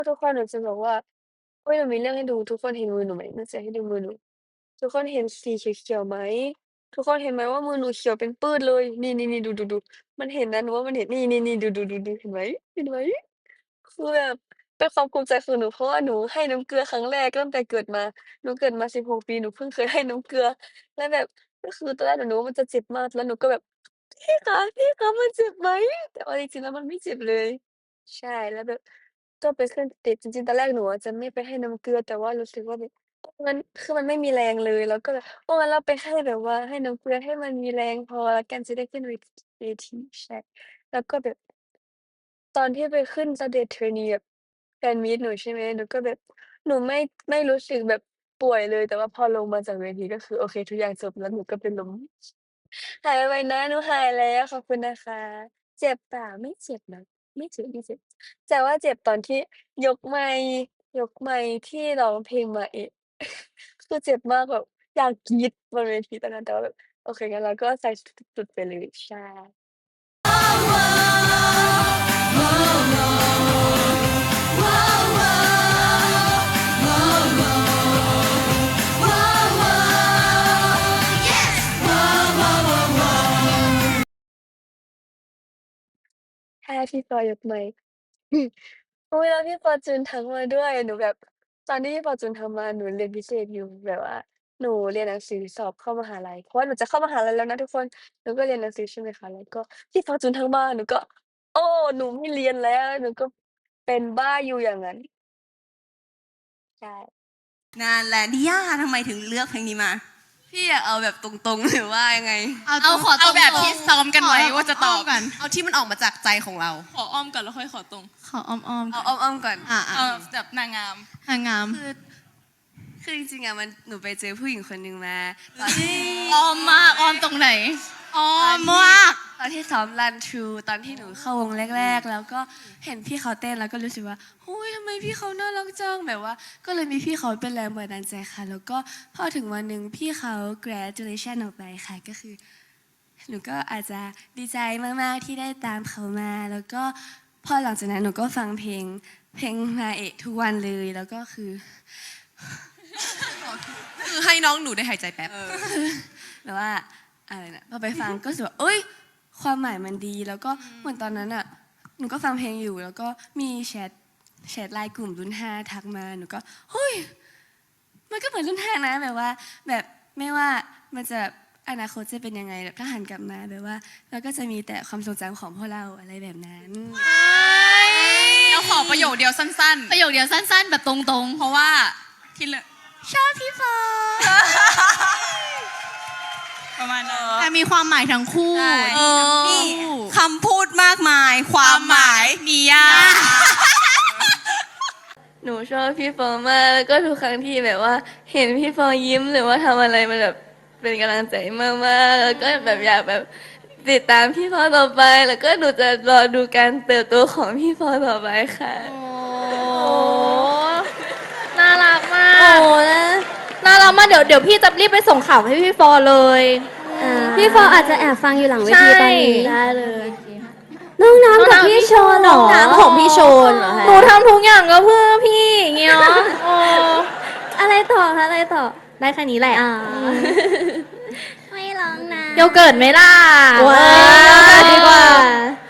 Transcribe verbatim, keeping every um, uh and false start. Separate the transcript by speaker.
Speaker 1: ทุกคนหนูจะบอกว่าเฮ้ยหนูมีเรื่องให้ดูทุกคนเห็นมือหนูไหมหนูจะให้ดูมือหนูทุกคนเห็นสีเขียวๆไหมทุกคนเห็นไหมว่ามือหนูเขียวเป็นปื้ดเลยนี่ๆๆดูๆๆมันเห็นนะหนูว่ามันเห็นนี่ๆๆดูๆๆๆเห็นไหมเห็นไหมคือแบบเป็นความภูมิใจของหนูเพราะว่าหนูให้น้ำเกลือครั้งแรกตั้งแต่เกิดมาหนูเกิดมาสิบหกปีหนูเพิ่งเคยให้น้ำเกลือแล้วแบบก็คือตอนแรกหนูนึกว่ามันจะเจ็บมากแล้วหนูก็แบบพี่คะพี่คะมันเจ็บไหมแต่เอาจริงๆแล้วมันไม่เจ็บเลยใช่แล้วแบบ ก็ไปขึ้นติดจริงๆตอนแรกหนูอะจะไม่ไปให้น้ำเกลือแต่ว่ารู้สึกว่าแบบมันคือมันไม่มีแรงเลยเราก็เลยโอ้งั้นเราไปให้แบบว่าให้น้ำเกลือให้มันมีแรงพอแล้วกันจะได้ขึ้นเวเวทีใช่แล้วก็แบบตอนที่ไปขึ้น Stage Trainee แบบแฟนมีตหนูใช่ไหมหนูก็แบบหนูไม่ไม่รู้สึกแบบป่วยเลยแต่ว่าพอลงมาจากเวทีก็คือโอเคทุกอย่างจบแล้วหนูก็เป็นลม หายไวๆนะหนูหายแล้วขอบคุณนะคะเจ็บเปล่าไม่เจ็บนะไม่เจ็บไม่เจ็บแต่ว่าเจ็บตอนที่ยกไมค์ยกไมค์ที่ร้องเพลงมาเอะคือเจ็บมากแบบอยากกรี๊ดบนเวทีตอนนั้นแต่ว่าแบบโอเคงั้นเราก็ใส่สุดๆไปเลยใช่ถ้าพี่ปอยกไมค์ อุ๊ยแล้วพี่ฟอร์จูนทักมาด้วยหนูแบบตอนที่พี่ฟอร์จูนทักมาหนูเรียนพิเศษอยู่แบบว่าหนูเรียนหนังสือสอบเข้ามหาลัยเพราะว่าหนูจะเข้ามหาลัยแล้วนะทุกคนหนูก็เรียนหนังสือใช่ไหมคะแล้วก็พี่ฟอร์จูนทักมาหนูก็โอ้หนูไม่เรียนแล้วหนูก็เป็นบ้าอยู่อย่างงั้นใช่
Speaker 2: นานแล้วดิย่าทำไมถึงเลือกเพลงนี้มาพี่อยากเอาแบบตรงๆหรือว่ายังไง
Speaker 3: เอาเอาขอตรงๆ
Speaker 2: เอาแบบที่ซ้อมกันไว้
Speaker 3: ขอ
Speaker 2: ว่าจะตอบ
Speaker 3: อ้อมก่อน
Speaker 2: เอาที่มันออกมาจากใจของเรา
Speaker 4: ขออ้อมก่อนแล้วค่อยขอตรง
Speaker 3: ขออ้อมอ้อม
Speaker 2: เอาอ้อมๆก่อน
Speaker 3: อ่า
Speaker 4: เออแบบนางงาม
Speaker 3: หางาม
Speaker 2: คือคือจริงๆอะมันหนูไปเจอผู้หญิงคนหนึ่งมาตอนที่
Speaker 3: อ้อมมากอ้อมตรงไหนอ้อมมาก
Speaker 2: ตอนที่ซ้อมรันทรูตอนที่หนูเข้าวงแรกๆ แล้วก็เห็นพี่เขาเต้นแล้วก็รู้สึกว่าหุ้ยทำไมพี่เขาน่ารักจังแบบว่า ก็เลยมีพี่เขาเป็นแรงบันดาลใจค่ะ แล้วก็พอถึงวันหนึ่งพี่เขา graduation ออกไปค่ะก็คือ หนูก็อาจจะดีใจมากๆที่ได้ตามเขามา แล้วก็พอหลังจากนั้นหนูก็ฟังเพลงเพลงมาเอะทุกวันเลยแล้วก็คือ
Speaker 5: คือให้น้องหนูได้หายใจแป๊บ
Speaker 2: แบบว่าอะไรนะพอไปฟังก็รู้สึกว่าเอ้ยความหมายมันดีแล้วก็เหมือนตอนนั้นอ่ะหนูก็ฟังเพลงอยู่ แล้วก็มีแชทแชทไลน์กลุ่มรุ่นห้าทักมาหนูก็เฮ้ยมันก็เหมือนรุ่นห้านะแบบว่า แบบไม่ว่ามันจะอนาคตจะเป็นยังไงแบบถ้าหันกลับมาแบบว่าเราก็จะมีแต่ความทรงจำของพวกเราอะไรแบบนั้น
Speaker 5: แล้วขอประโยคเดียวสั้น
Speaker 3: ประโยคเดียวสั้น ๆ แบบตรง
Speaker 5: ๆ เพราะว่าที่เหลือ
Speaker 3: ๆ ชอบพี่ฟอ
Speaker 5: ประมาณนั้น
Speaker 3: แต่มีความหมายทั้งคู่
Speaker 5: ใช่
Speaker 3: ดีทั้ง
Speaker 2: นี่
Speaker 3: คู่
Speaker 2: คำพูดมากมาย ความหมายมียาก
Speaker 1: หนูชอบพี่ฟอร์มากแล้วก็ทุกครั้งที่แบบว่าเห็นพี่ฟอร์ยิ้มหรือว่าทำอะไรมันแบบเป็นกำลังใจมากๆแล้วก็แบบอยากแบบติดตามพี่ฟอร์ต่อไปแล้วก็หนูจะรอดูการเติบโตของพี่ฟอร์ต่อไปค่ะ
Speaker 6: โอ้น่ารักมาก
Speaker 7: โอ้นะ
Speaker 6: น่ารักมากเดี๋ยวเดี๋ยวพี่จะรีบไปส่งข่าวให้พี่ฟอร์เลย
Speaker 7: อ่าพี่ฟออาจจะแอบฟังอยู่หลังเวทีตอนนี้
Speaker 6: ใช่
Speaker 7: ได้เลย น้องน้ำกับพี่โชนเหรอ
Speaker 6: น้ำของพี่โชนเหรอหนูทำทุกอย่างก็เพื่อพี่อย่างเงี้ยโอ้
Speaker 7: อะไรต่อคะอะไรต่อ
Speaker 6: ได้แค่นี้แหละ
Speaker 7: อ่า ไม่ร้องนะ
Speaker 6: โยเกิร์ตไหมล่ะ
Speaker 7: ว้า
Speaker 6: เออโยเกิร์ตดีกว่า
Speaker 7: ว